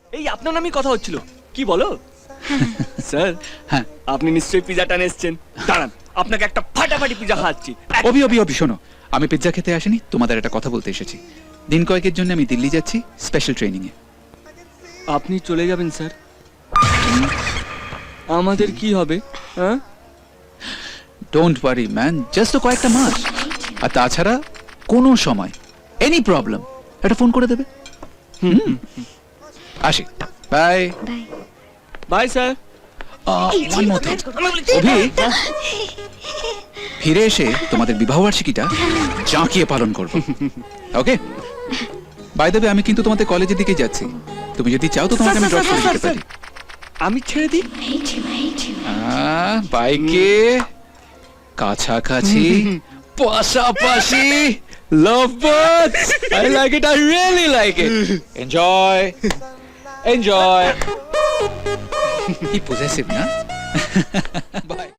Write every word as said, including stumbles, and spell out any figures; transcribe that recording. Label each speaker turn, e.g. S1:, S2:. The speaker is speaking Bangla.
S1: এই আপনার নামই কথা হচ্ছিল, কি বলো? স্যার,
S2: হ্যাঁ
S1: আপনি নিশ্চয়ই পিজাটা এসেছেন। দাঁড়ান, আপনাকে একটা ফাটাফাটি পিজা খাওয়াচ্ছি।
S2: অভি অভি অভি শোনো, আমি পিৎজা খেতে আসিনি, তোমাদের একটা কথা বলতে এসেছি। দিন কয়েকের জন্য আমি দিল্লি যাচ্ছি স্পেশাল ট্রেনিং এ।
S1: আপনি চলে যাবেন স্যার, আমাদের কি হবে? হ্যাঁ,
S2: ডোন্ট ওয়ারি ম্যান, জাস্ট কয়েকটা মাস। আর তাছাড়া কোনো সময় এনি প্রবলেম একটা ফোন করে দেবে। হুম, আসি, bye
S3: bye.
S1: Bye sir.
S2: One more thing, Abhi, ফিরে এসে তোমাদের বিবাহ বার্ষিকীটা জাঁকিয়ে পালন করবো, ওকে? বাই দেবে, আমি কিন্তু তোমাদের কলেজের দিকে যাচ্ছি। তুমি যদি চাও তো তোমাকে আমি ড্রপ করে দিতে পারি।
S1: আমি ছেড়ে দিই?
S2: আহ, বাইকে কাছাকাছি পাশাপাশি love birds, I like it, I really like it. Enjoy enjoy. কি পজেসিভ না? বাই।